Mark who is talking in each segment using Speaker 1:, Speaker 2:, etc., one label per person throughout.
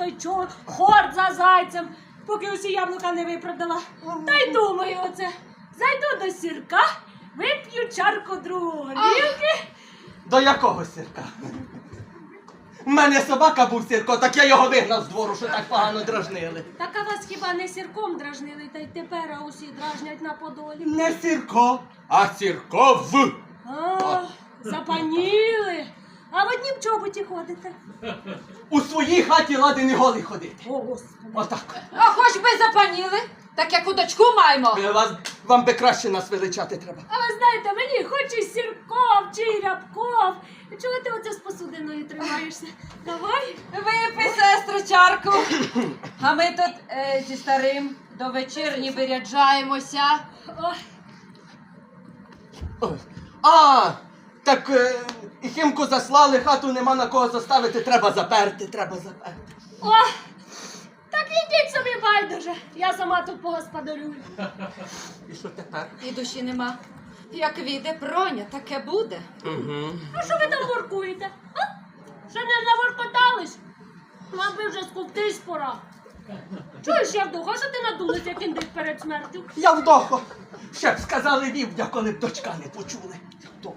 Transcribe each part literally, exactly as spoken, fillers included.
Speaker 1: той чорт, хорт за зайцем, поки усі яблука не випродала. Та й думаю оце, зайду до Сірка, вип'ю чарку другу горілки.
Speaker 2: До якого Сірка? У мене собака був Сірко, так я його вигнав з двору, що так погано дражнили.
Speaker 1: Так а вас хіба не Сірком дражнили, та й тепер усі дражнять на Подолі?
Speaker 2: Не Сірко, а Сірков.
Speaker 1: А, запаніли. А в однім чоботі ходите.
Speaker 2: У своїй хаті лади не голий ходити.
Speaker 1: О, Господи.
Speaker 2: Отак.
Speaker 3: А хоч би запаніли, так як у дочку маємо.
Speaker 2: Е, Вас, вам би краще нас величати треба.
Speaker 1: А ви знаєте, мені хоч і Сірков, чи й Рябков. Чого ти оце з посудиною тримаєшся? Давай.
Speaker 3: Випий, сестру, чарку. А ми тут е, зі старим до вечірні виряджаємося.
Speaker 1: Ой.
Speaker 2: Ой. А, так е, і Хімку заслали, хату нема на кого заставити, треба заперти, треба заперти.
Speaker 1: О, так ідіть собі байдуже. Я сама тут погосподарюю.
Speaker 2: І що тепер?
Speaker 3: І душі нема. Як війде проня, таке буде.
Speaker 2: Угу.
Speaker 1: А що ви там воркуєте? А? Ще не наворкотались? Вам би вже скуптись пора. Чуєш, Явдоха, що ти надулась, як індик перед смертю?
Speaker 2: Я вдохо. Ще б сказали вівдя, коли б дочка не почули. Хто?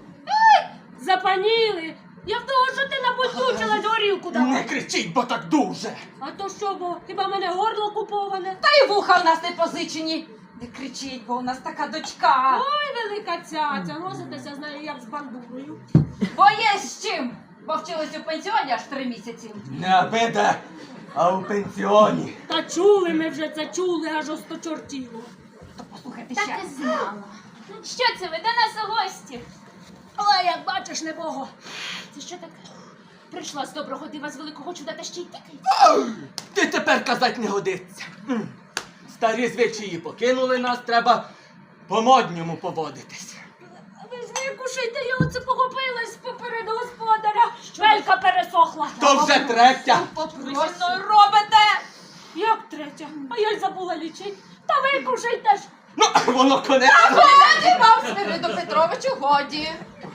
Speaker 1: Запаніли. Явдоха, що ти напустучилась горілку
Speaker 2: Не
Speaker 1: давай?
Speaker 2: кричіть, бо так дуже.
Speaker 1: А то що, бо хіба в мене горло куповане?
Speaker 3: Та й вуха в нас не позичені. Не кричіть, бо у нас така дочка.
Speaker 1: Ой, велика цяця, носитеся з нею як з бандурою.
Speaker 3: Бо є з чим. Бо вчилась у пенсіоні аж три місяці.
Speaker 2: Не обиде, а у пенсіоні.
Speaker 1: Та чули ми вже це, чули, аж осточортіло.
Speaker 3: То послухайте
Speaker 4: Так
Speaker 3: ще.
Speaker 4: і знала. Що це ви до нас у гості?
Speaker 1: Ой, як бачиш, небого.
Speaker 4: Це що таке? Прийшла з доброго дива з великого чуда та ще й тикається.
Speaker 2: Ау! Ти тепер казать не годиться. М. Старі звичаї покинули нас, треба по-модньому поводитись.
Speaker 1: Ви ж викушайте, я оце похопилась поперед господаря. Велька пересохла.
Speaker 2: То вже третя.
Speaker 3: Ви зі мною робите?
Speaker 1: Як третя? А я й забула лічить. Та викушайте ж.
Speaker 2: Ну, воно конець.
Speaker 3: Годі вам, Свириду Петровичу, годі.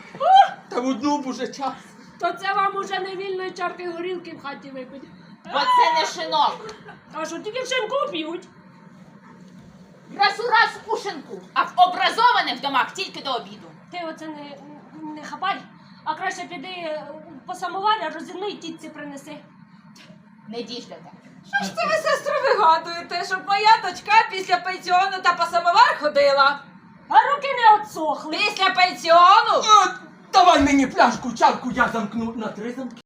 Speaker 2: Та в одну б уже час.
Speaker 1: То це вам уже не вільної чарки горілки в хаті випить.
Speaker 4: Бо це не шинок.
Speaker 1: А що тільки в шинку п'ють?
Speaker 4: Раз у раз у шинку, а в образованих домах тільки до обіду.
Speaker 1: Ти оце не, не хапай, а краще піди е, по самоварі, розірни й тітці принеси.
Speaker 4: Не діждете.
Speaker 3: Що ж це ви, сестру, вигадуєте, щоб моя дочка після пенсіону та по самовар ходила?
Speaker 1: А руки не отсохли.
Speaker 3: Після пенсіону?
Speaker 2: От, давай мені пляшку, чарку, я замкну на три замки.